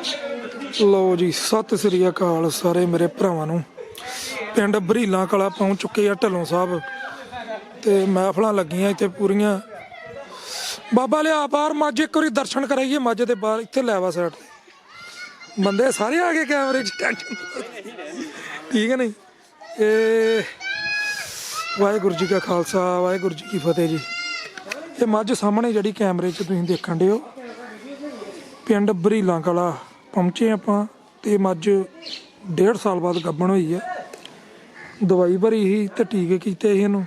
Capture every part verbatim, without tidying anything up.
ਲਓ ਜੀ, ਸਤਿ ਸ੍ਰੀ ਅਕਾਲ ਸਾਰੇ ਮੇਰੇ ਭਰਾਵਾਂ ਨੂੰ। ਪਿੰਡ ਬਰੀਲਾ ਕਲਾ ਪਹੁੰਚ ਚੁੱਕੇ ਆ ਢੱਲੋਂ ਸਾਹਿਬ ਤੇ ਮਹਿਫਲਾਂ ਲੱਗੀਆਂ ਇੱਥੇ ਪੂਰੀਆਂ। ਬਾਬਾ ਲਿਆ ਬਾਹਰ ਮੱਝ, ਇੱਕ ਵਾਰੀ ਦਰਸ਼ਨ ਕਰਾਈਏ ਮੱਝ ਦੇ ਬਾਹਰ। ਇੱਥੇ ਲੈ ਵਾ ਸਾਈਡ ਤੇ ਬੰਦੇ ਸਾਰੇ ਆ ਗਏ ਕੈਮਰੇ 'ਚ, ਟੈਨਸ਼ਨ ਠੀਕ ਹੈ ਨਹੀਂ। ਇਹ ਵਾਹਿਗੁਰੂ ਜੀ ਕਾ ਖਾਲਸਾ ਵਾਹਿਗੁਰੂ ਜੀ ਕੀ ਫਤਿਹ ਜੀ। ਇਹ ਮੱਝ ਸਾਹਮਣੇ ਜਿਹੜੀ ਕੈਮਰੇ 'ਚ ਤੁਸੀਂ ਦੇਖਣ ਡੇ ਹੋ, ਪਿੰਡ ਬਰੀਲਾ ਕਲਾ ਪਹੁੰਚੇ ਆਪਾਂ। ਤੇ ਮੱਝ ਡੇਢ ਸਾਲ ਬਾਅਦ ਗੱਭਣ ਹੋਈ ਹੈ। ਦਵਾਈ ਭਰੀ ਸੀ ਤੇ ਟੀਕੇ ਕੀਤੇ ਸੀ ਇਹਨੂੰ,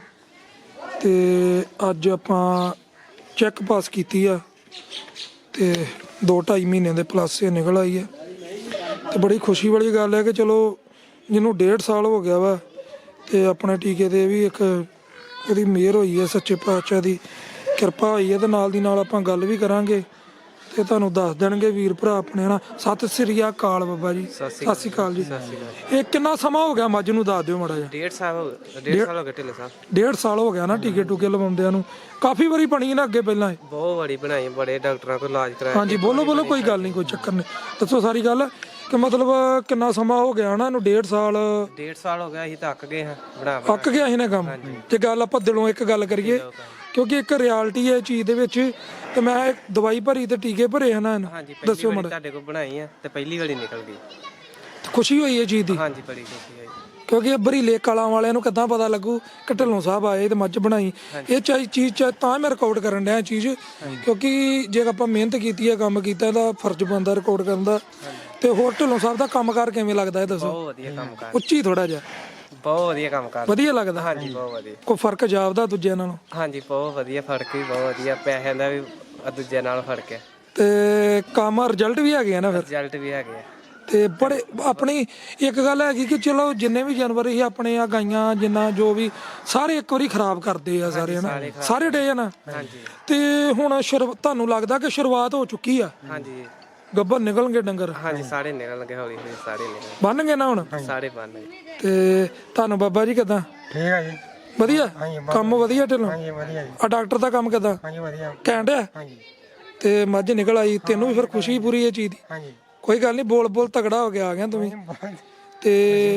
ਤੇ ਅੱਜ ਆਪਾਂ ਚੈੱਕ ਪਾਸ ਕੀਤੀ ਆ ਤੇ ਦੋ ਢਾਈ ਮਹੀਨੇ ਦੇ ਪਲੱਸ ਇਹ ਨਿਕਲ ਆਈ ਹੈ। ਤੇ ਬੜੀ ਖੁਸ਼ੀ ਵਾਲੀ ਗੱਲ ਹੈ ਕਿ ਚਲੋ ਜਿਹਨੂੰ ਡੇਢ ਸਾਲ ਹੋ ਗਿਆ ਵਾ ਤੇ ਆਪਣੇ ਟੀਕੇ ਤੇ ਵੀ ਇੱਕ ਉਹਦੀ ਮਿਹਰ ਹੋਈ ਹੈ, ਸੱਚੇ ਪਾਤਸ਼ਾਹ ਦੀ ਕਿਰਪਾ ਹੋਈ ਹੈ। ਤੇ ਨਾਲ ਦੀ ਨਾਲ ਆਪਾਂ ਗੱਲ ਵੀ ਕਰਾਂਗੇ ਤੇ ਤੁਹਾਨੂੰ ਦੱਸ ਦੇਣਗੇ ਵੀਰ ਭਰਾ ਆਪਣੇ ਨਾਲ। ਸਤਿ ਸ੍ਰੀ ਅਕਾਲ ਬਾਬਾ ਜੀ। ਸਤਿ ਸ੍ਰੀ ਅਕਾਲ ਜੀ। ਇਹ ਕਿੰਨਾ ਸਮਾਂ ਹੋ ਗਿਆ ਮੱਝ ਨੂੰ, ਦੱਸ ਦਿਓ ਮਾੜਾ ਜਿਹਾ। ਡੇਢ ਸਾਲ ਹੋ ਗਿਆ। ਡੇਢ ਸਾਲ ਹੋ ਗਏ ਢਿੱਲੇ ਸਾਹਿਬ। ਡੇਢ ਸਾਲ ਹੋ ਗਿਆ ਨਾ ਟੀਕੇ ਟੂਕੇ ਲਵਾਉਂਦਿਆਂ ਨੂੰ। ਕਾਫੀ ਵਾਰੀ ਬਣੀ ਨਾ ਅੱਗੇ ਪਹਿਲਾਂ ਇਹ? ਬਹੁਤ ਵਾਰੀ ਬਣਾਈ, ਬੜੇ ਡਾਕਟਰਾਂ ਕੋਲ ਇਲਾਜ ਕਰਾਇਆ। ਹਾਂਜੀ ਬੋਲੋ ਬੋਲੋ, ਕੋਈ ਗੱਲ ਨਹੀਂ, ਕੋਈ ਚੱਕਰ ਨਹੀਂ, ਦੱਸੋ ਸਾਰੀ ਗੱਲ ਕਿ ਮਤਲਬ ਕਿੰਨਾ ਸਮਾਂ ਹੋ ਗਿਆ ਨਾ ਇਹਨੂੰ? ਡੇਢ ਸਾਲ ਡੇਢ ਸਾਲ ਹੋ ਗਿਆ। ਅਸੀਂ ਤਾਂ ਅੱਕ ਗਏ ਹਾਂ ਬਣਾ ਅੱਕ ਗਿਆ ਸੀ ਨਾ ਕੰਮ। ਤੇ ਗੱਲ ਆਪਾਂ ਦਿਲੋਂ ਇੱਕ ਗੱਲ ਕਰੀਏ, ਕਿਉਂਕਿ ਇੱਕ ਰਿਐਲਿਟੀ ਹੈ ਚੀਜ਼ ਦੇ ਵਿੱਚ। ਤੇ ਮੈਂ ਦਵਾਈ ਭਰੀ ਤੇ ਟੀਕੇ ਭਰੇ ਹਨ ਇਹਨੂੰ, ਦੱਸਿਓ ਮਾੜਾ। ਤੁਹਾਡੇ ਕੋਲ ਬਣਾਈ ਆ ਤੇ ਪਹਿਲੀ ਵਾਰੀ ਨਿਕਲ ਗਈ। ਖੁਸ਼ੀ ਹੋਈ ਇਹ ਚੀਜ਼ ਦੀ? ਹਾਂਜੀ ਬੜੀ ਖੁਸ਼ੀ ਹੋਈ। ਕਿਉਂਕਿ ਬਰੀਲੇ ਕਲਾਂ ਵਾਲਿਆਂ ਨੂੰ ਕਿੱਦਾਂ ਪਤਾ ਲੱਗੂ ਕਿ ਢੱਲੋਂ ਸਾਹਿਬ ਆਏ ਤੇ ਮੱਝ ਬਣਾਈ। ਇਹ ਚਾਹੀ ਚੀਜ਼ ਤਾਂ ਮੈਂ ਰਿਕਾਰਡ ਕਰਨ ਡਿਆ ਚੀਜ਼, ਕਿਉਂਕਿ ਜੇ ਆਪਾਂ ਮਿਹਨਤ ਕੀਤੀ ਹੈ, ਕੰਮ ਕੀਤਾ, ਇਹਦਾ ਫਰਜ਼ ਬਣਦਾ ਰਿਕਾਰਡ ਕਰਨ ਦਾ। ਤੇ ਹੋਰ ਢੱਲੋਂ ਸਾਹਿਬ ਦਾ ਕੰਮਕਾਰ ਕਿਵੇਂ ਲੱਗਦਾ ਇਹ ਦੱਸੋ? ਬਹੁਤ ਵਧੀਆ ਕੰਮਕਾਰ। ਉੱਚੀ ਥੋੜਾ ਜਿਹਾ। ਬਹੁਤ ਵਧੀਆ ਕੰਮ ਕਰ। ਵਧੀਆ ਲੱਗਦਾ? ਹਾਂਜੀ ਬਹੁਤ ਵਧੀਆ। ਕੋਈ ਫਰਕ ਜਾਪਦਾ ਦੂਜਿਆਂ ਨਾਲੋਂ? ਹਾਂਜੀ ਬਹੁਤ ਵਧੀਆ, ਫਰਕ ਵੀ ਬਹੁਤ ਵਧੀਆ। ਪੈਸਿਆਂ ਦਾ ਵੀ ਦੂਜਿਆਂ ਨਾਲ ਫਰਕ ਹੈ ਤੇ ਕੰਮ ਰਿਜ਼ਲਟ ਵੀ ਹੈਗੇ ਆ ਨਾ ਫਿਰ? ਰਿਜ਼ਲਟ ਵੀ ਹੈਗੇ ਆ। ਤੇ ਬੜੇ ਆਪਣੀ ਇੱਕ ਗੱਲ ਹੈਗੀ ਕਿ ਚਲੋ ਜਿੰਨੇ ਵੀ ਜਾਨਵਰ ਸੀ ਆਪਣੇ ਆ, ਗਾਈਆਂ ਜਿੰਨਾ ਜੋ ਵੀ, ਸਾਰੇ ਇੱਕ ਵਾਰੀ ਖਰਾਬ ਕਰਦੇ ਆ ਸਾਰੇ ਹਨਾ, ਸਾਰੇ ਡੇ ਆ ਨਾ। ਤੇ ਹੁਣ ਤੁਹਾਨੂੰ ਲੱਗਦਾ ਕਿ ਸ਼ੁਰੂਆਤ ਹੋ ਚੁੱਕੀ ਆ? ਹਾਂਜੀ ਗੱਭਰ ਨਿਕਲਣਗੇ ਡੰਗਰ? ਹਾਂਜੀ ਸਾਰੇ ਨਿਕਲਣਗੇ, ਹੌਲੀ ਹੌਲੀ ਸਾਰੇ ਨਿਕਲ ਬੰਨ ਗਏ ਨਾ ਹੁਣ ਸਾਰੇ ਬੰਨ ਗਏ। ਤੇ ਤੁਹਾਨੂੰ ਬਾਬਾ ਜੀ ਕਿੱਦਾਂ? ਠੀਕ ਹੈ ਜੀ। ਵਧੀਆ ਕੰਮ? ਵਧੀਆ ਢਿੱਲੋਂ? ਹਾਂਜੀ ਵਧੀਆ ਜੀ। ਆ ਡਾਕਟਰ ਦਾ ਕੰਮ ਕਿੱਦਾਂ? ਹਾਂਜੀ ਵਧੀਆ। ਘੈਂਟ ਆ? ਹਾਂਜੀ। ਤੇ ਮੱਝ ਨਿਕਲ ਆਈ, ਤੈਨੂੰ ਵੀ ਫਿਰ ਖੁਸ਼ੀ ਪੂਰੀ ਇਹ ਚੀਜ਼ ਦੀ? ਹਾਂਜੀ ਕੋਈ ਗੱਲ ਨਹੀਂ, ਬੋਲ ਬੋਲ ਤਗੜਾ ਹੋ ਗਿਆ ਆ ਗਿਆ ਤੂੰ ਵੀ। ਤੇ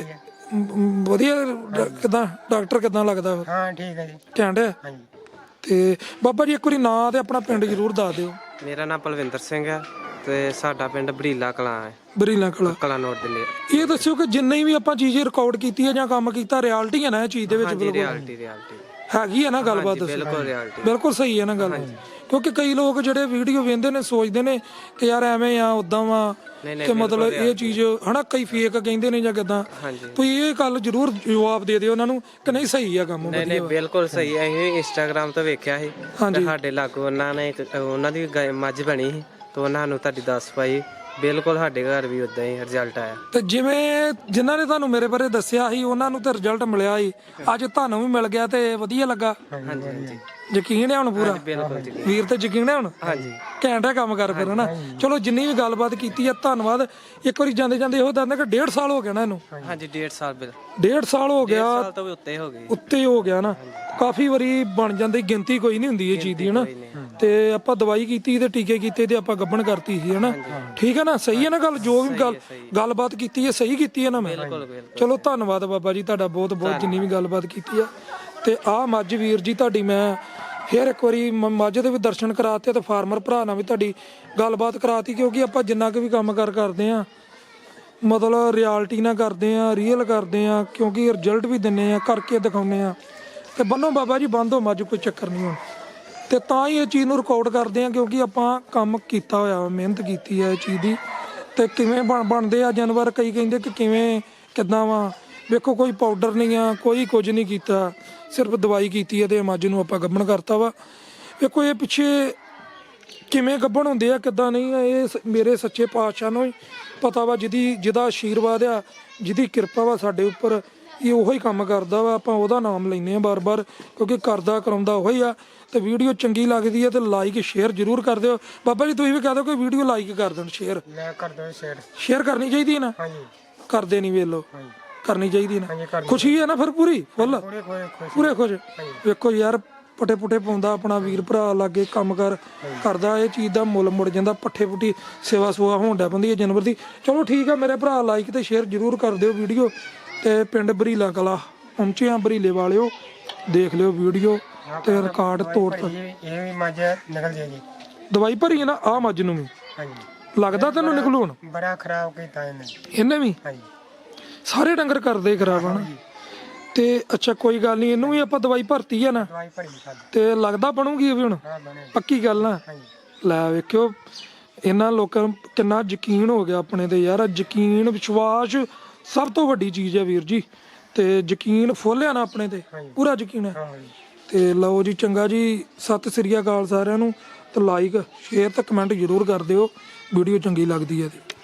ਵਧੀਆ ਕਿੱਦਾਂ ਡਾਕਟਰ ਕਿੱਦਾਂ ਲੱਗਦਾ? ਹਾਂ ਠੀਕ ਹੈ ਜੀ। ਘੈਂਟ ਆ? ਹਾਂਜੀ। ਤੇ ਬਾਬਾ ਜੀ ਇੱਕ ਵਾਰੀ ਨਾਂ ਤੇ ਆਪਣਾ ਪਿੰਡ ਜ਼ਰੂਰ ਦੱਸ ਦਿਓ। ਮੇਰਾ ਨਾਮ ਪਲਵਿੰਦਰ ਸਿੰਘ ਹੈ ਤੇ ਸਾਡਾ ਪਿੰਡ ਬਰੀਲਾ ਕਲਾਂ ਹੈ। ਬਰੀਲਾ ਕਲਾਂ ਕਲਾਂ ਨੋਟ ਦੇ ਲਈ। ਇਹ ਦੱਸਿਓ ਕਿ ਜਿੰਨੀ ਵੀ ਆਪਾਂ ਚੀਜ਼ ਰਿਕਾਰਡ ਕੀਤੀ ਹੈ ਜਾਂ ਕੰਮ ਕੀਤਾ, ਰਿਐਲਿਟੀ ਹੈ ਨਾ ਇਹ ਚੀਜ਼ ਦੇ ਵਿੱਚ? ਬਿਲਕੁਲ ਰਿਐਲਿਟੀ ਰਿਐਲਿਟੀ ਹੈਗੀ ਹੈ ਨਾ ਗੱਲਬਾਤ? ਦੱਸੋ। ਬਿਲਕੁਲ ਰਿਐਲਿਟੀ, ਬਿਲਕੁਲ ਸਹੀ ਹੈ ਨਾ ਗੱਲ? ਕਿਉਂਕਿ ਕਈ ਲੋਕ ਜਿਹੜੇ ਵੀਡੀਓ ਵੇਖਦੇ ਨੇ ਸੋਚਦੇ ਨੇ ਕਿ ਯਾਰ ਐਵੇਂ ਆ ਉਦਾਂ ਵਾ, ਤੇ ਮਤਲਬ ਇਹ ਚੀਜ਼ ਹਨਾ ਕਈ ਫੇਕ ਕਹਿੰਦੇ ਨੇ ਜਾਂ ਕਿੱਦਾਂ। ਤੁਸੀਂ ਇਹ ਗੱਲ ਜ਼ਰੂਰ ਜਵਾਬ ਦੇ ਦਿਓ ਉਹਨਾਂ ਨੂੰ ਕਿ ਨਹੀਂ ਸਹੀ ਆ ਕੰਮ? ਨਹੀਂ ਨਹੀਂ ਬਿਲਕੁਲ ਸਹੀ ਹੈ। ਇਹ ਇੰਸਟਾਗ੍ਰਾਮ ਤੋਂ ਵੇਖਿਆ ਸੀ ਤੇ ਸਾਡੇ ਲਾਗੂ ਉਹਨਾਂ ਨੇ ਉਹਨਾਂ ਦੀ ਮੱਝ ਬਣੀ ਸੀ ਤੇ ਉਹਨਾਂ ਨੂੰ ਤੁਹਾਡੀ ਦੱਸ ਪਾਈ। ਬਿਲਕੁਲ ਸਾਡੇ ਘਰ ਵੀ ਉਦਾਂ ਹੀ ਰਿਜ਼ਲਟ ਆਇਆ। ਤੇ ਜਿਵੇਂ ਜਿਨ੍ਹਾਂ ਨੇ ਤੁਹਾਨੂੰ ਮੇਰੇ ਬਾਰੇ ਦੱਸਿਆ ਸੀ ਉਹਨਾਂ ਨੂੰ ਤੇ ਰਿਜ਼ਲਟ ਮਿਲਿਆ ਸੀ, ਅੱਜ ਤੁਹਾਨੂੰ ਵੀ ਮਿਲ ਗਿਆ ਤੇ ਵਧੀਆ ਲੱਗਾ? ਹਾਂਜੀ ਹਾਂਜੀ ਯਕੀਨ ਹੈ ਹੁਣ ਪੂਰਾ? ਬਿਲਕੁਲ ਵੀਰ ਤੇ ਯਕੀਨ ਹੈ ਹੁਣ? ਹਾਂਜੀ ਘੈਂਟ ਹੈ ਕੰਮ ਕਰ ਫਿਰ ਹਨਾ। ਚਲੋ ਜਿੰਨੀ ਵੀ ਗੱਲਬਾਤ ਕੀਤੀ ਹੈ ਧੰਨਵਾਦ। ਇੱਕ ਵਾਰੀ ਜਾਂਦੇ ਜਾਂਦੇ ਇਹੋ ਦੱਸਦੇ ਕਿ ਡੇਢ ਸਾਲ ਹੋ ਗਿਆ ਨਾ ਇਹਨੂੰ? ਹਾਂਜੀ ਡੇਢ ਸਾਲ ਬਿਲ ਡੇਢ ਸਾਲ ਹੋ ਗਿਆ। ਸਾਲ ਤੋਂ ਵੀ ਉੱਤੇ ਹੋ ਗਈ। ਉੱਤੇ ਹੋ ਗਿਆ ਨਾ। ਕਾਫੀ ਵਾਰੀ ਬਣ ਜਾਂਦੀ, ਗਿਣਤੀ ਕੋਈ ਨਹੀਂ ਹੁੰਦੀ ਇਹ ਚੀਜ਼ ਦੀ ਹਨਾ। ਤੇ ਆਪਾਂ ਦਵਾਈ ਕੀਤੀ ਤੇ ਟੀਕੇ ਕੀਤੇ ਤੇ ਆਪਾਂ ਗੱਭਣ ਕਰਤੀ ਸੀ ਹਨਾ। ਠੀਕ ਹੈ ਨਾ? ਸਹੀ ਹੈ ਨਾ ਗੱਲ? ਜੋ ਵੀ ਗੱਲ ਗੱਲਬਾਤ ਕੀਤੀ ਹੈ ਸਹੀ ਕੀਤੀ ਹੈ ਨਾ ਮੈਂ? ਚਲੋ ਧੰਨਵਾਦ ਬਾਬਾ ਜੀ ਤੁਹਾਡਾ ਬਹੁਤ ਬਹੁਤ, ਜਿੰਨੀ ਵੀ ਗੱਲਬਾਤ ਕੀਤੀ ਆ। ਤੇ ਆਹ ਮੱਝ ਵੀਰ ਜੀ ਤੁਹਾਡੀ ਮੈਂ ਫਿਰ ਇੱਕ ਵਾਰੀ ਮੱਝ ਦੇ ਵੀ ਦਰਸ਼ਨ ਕਰਾਤੇ ਤੇ ਫਾਰਮਰ ਭਰਾ ਨਾਲ ਵੀ ਤੁਹਾਡੀ ਗੱਲਬਾਤ ਕਰਾਤੀ। ਕਿਉਂਕਿ ਆਪਾਂ ਜਿੰਨਾ ਕੁ ਵੀ ਕੰਮ ਕਾਰ ਕਰਦੇ ਆ ਮਤਲਬ ਰਿਐਲਿਟੀ ਨਾਲ ਕਰਦੇ ਆ, ਰੀਅਲ ਕਰਦੇ ਆ, ਕਿਉਂਕਿ ਰਿਜ਼ਲਟ ਵੀ ਦਿੰਨੇ ਆ, ਕਰਕੇ ਦਿਖਾਉਂਦੇ ਆ। ਤੇ ਬੰਨੋ ਬਾਬਾ ਜੀ, ਬੰਦ ਹੋ ਮੱਝ, ਕੋਈ ਚੱਕਰ ਨਹੀਂ ਹੁਣ। ਤੇ ਤਾਂ ਹੀ ਇਹ ਚੀਜ਼ ਨੂੰ ਰਿਕਾਰਡ ਕਰਦੇ ਆ ਕਿਉਂਕਿ ਆਪਾਂ ਕੰਮ ਕੀਤਾ ਹੋਇਆ, ਮਿਹਨਤ ਕੀਤੀ ਹੈ ਇਹ ਚੀਜ਼ ਦੀ। ਤੇ ਕਿਵੇਂ ਬਣ ਬਣਦੇ ਆ ਜਾਨਵਰ, ਕਈ ਕਹਿੰਦੇ ਕਿ ਕਿਵੇਂ ਕਿੱਦਾਂ ਵਾ। ਵੇਖੋ ਕੋਈ ਪਾਊਡਰ ਨਹੀਂ ਆ, ਕੋਈ ਕੁਝ ਨਹੀਂ ਕੀਤਾ, ਸਿਰਫ ਦਵਾਈ ਕੀਤੀ ਹੈ ਤੇ ਮੱਝ ਨੂੰ ਆਪਾਂ ਗੱਭਣ ਕਰਤਾ ਵਾ। ਵੇਖੋ ਇਹ ਪਿੱਛੇ ਕਿਵੇਂ ਗੱਭਣ ਹੁੰਦੇ ਆ ਕਿੱਦਾਂ ਨਹੀਂ, ਇਹ ਮੇਰੇ ਸੱਚੇ ਪਾਤਸ਼ਾਹ ਨੂੰ ਹੀ ਪਤਾ ਵਾ, ਜਿਹਦੀ ਜਿਹਦਾ ਆਸ਼ੀਰਵਾਦ ਆ, ਜਿਹਦੀ ਕਿਰਪਾ ਵਾ ਸਾਡੇ ਉੱਪਰ, ਇਹ ਉਹੋ ਹੀ ਕੰਮ ਕਰਦਾ ਵਾ। ਆਪਾਂ ਉਹਦਾ ਨਾਮ ਲੈਂਦੇ ਆ ਬਾਰ ਬਾਰ ਕਿਉਂਕਿ ਕਰਦਾ ਕਰਾਉਂਦਾ ਉਹੀ ਆ। ਤੇ ਵੀਡੀਓ ਚੰਗੀ ਲੱਗਦੀ ਹੈ ਤੇ ਲਾਈਕ ਸ਼ੇਅਰ ਜ਼ਰੂਰ ਕਰ ਦਿਓ। ਬਾਬਾ ਜੀ ਤੁਸੀਂ ਵੀ ਕਹਿ ਦਿਓ ਕੋਈ ਵੀਡੀਓ ਲਾਈਕ ਕਰ ਦੇਣ, ਸ਼ੇਅਰ ਕਰ ਦਿਓ। ਸ਼ੇਅਰ ਸ਼ੇਅਰ ਕਰਨੀ ਚਾਹੀਦੀ ਹੈ ਨਾ? ਹਾਂਜੀ ਕਰਦੇ ਨਹੀਂ, ਵੇਖ ਲਓ ਕਰਨੀ ਚਾਹੀਦੀ ਨਾ। ਖੁਸ਼ੀ ਹੈ ਨਾ ਫਿਰ ਪੂਰੀ ਫੁੱਲ? ਪੂਰੇ ਖੁਸ਼। ਵੇਖੋ ਯਾਰ ਪੱਠੇ ਪੁੱਠੇ ਪਾਉਂਦਾ ਆਪਣਾ ਵੀਰ ਭਰਾ ਲਾਗੇ ਕੰਮ ਕਰ ਕਰਦਾ, ਇਹ ਚੀਜ਼ ਦਾ ਮੁੱਲ ਮੁੜ ਜਾਂਦਾ। ਪੱਠੇ ਪੁੱਠੀ ਸੇਵਾ ਸੁਆ ਹੋਣ ਡੈ ਪੈਂਦੀ ਹੈ ਜਾਨਵਰ ਦੀ। ਚਲੋ ਠੀਕ ਆ ਮੇਰੇ ਭਰਾ, ਲਾਈਕ ਤੇ ਸ਼ੇਅਰ ਜ਼ਰੂਰ ਕਰ ਦਿਓ ਵੀਡੀਓ। ਤੇ ਪਿੰਡ ਬਰੀਲਾ ਕਲਾ ਪਹੁੰਚੇ ਆ, ਬਰੀਲੇ ਵਾਲਿਓ ਦੇਖ ਲਿਓ ਵੀਡੀਓ ਤੇ ਰਿਕਾਰਡ ਤੋੜ ਤਾ। ਇਹ ਵੀ ਮੱਝ ਨਿਕਲ ਜਾਏਗੀ। ਦਵਾਈ ਭਰੀ ਹੈ ਨਾ ਆ ਮੱਝ ਨੂੰ ਵੀ, ਹਾਂਜੀ ਲੱਗਦਾ ਤੈਨੂੰ ਨਿਕਲੂ ਹੁਣ? ਬੜਾ ਖਰਾਬ ਕੀਤਾ ਇਹਨੇ। ਇਹਨੇ ਵੀ ਹਾਂਜੀ ਸਾਰੇ ਡੰਗਰ ਕਰਦੇ ਖਰਾਬ ਹਨ। ਤੇ ਅੱਛਾ ਕੋਈ ਗੱਲ ਨਹੀਂ, ਇਹਨੂੰ ਵੀ ਆਪਾਂ ਦਵਾਈ ਭਰਤੀ ਆ ਨਾ, ਦਵਾਈ ਭਰੀ ਸਾਡੀ। ਤੇ ਲੱਗਦਾ ਬਣੂਗੀ ਇਹ ਵੀ ਹੁਣ? ਹਾਂ ਬਣੇ। ਪੱਕੀ ਗੱਲ ਨਾ? ਹਾਂਜੀ ਲੈ ਵੇਖਿਓ ਇਹਨਾਂ ਲੋਕਾਂ ਨੂੰ ਕਿੰਨਾ ਯਕੀਨ ਹੋ ਗਿਆ ਆਪਣੇ ਤੇ ਯਾਰ। ਯਕੀਨ ਵਿਸ਼ਵਾਸ ਸਭ ਤੋਂ ਵੱਡੀ ਚੀਜ਼ ਹੈ ਵੀਰ ਜੀ। ਤੇ ਯਕੀਨ ਫੁੱਲਿਆ ਨਾ ਆਪਣੇ ਤੇ, ਪੂਰਾ ਯਕੀਨ ਹੈ। ਹਾਂ ਜੀ ਤੇ ਲਓ ਜੀ ਚੰਗਾ ਜੀ, ਸਤਿ ਸ੍ਰੀ ਅਕਾਲ ਸਾਰਿਆਂ ਨੂੰ। ਤੇ ਲਾਈਕ ਸ਼ੇਅਰ ਤੇ ਕਮੈਂਟ ਜ਼ਰੂਰ ਕਰ ਦਿਓ, ਵੀਡੀਓ ਚੰਗੀ ਲੱਗਦੀ ਹੈ ਤੇ।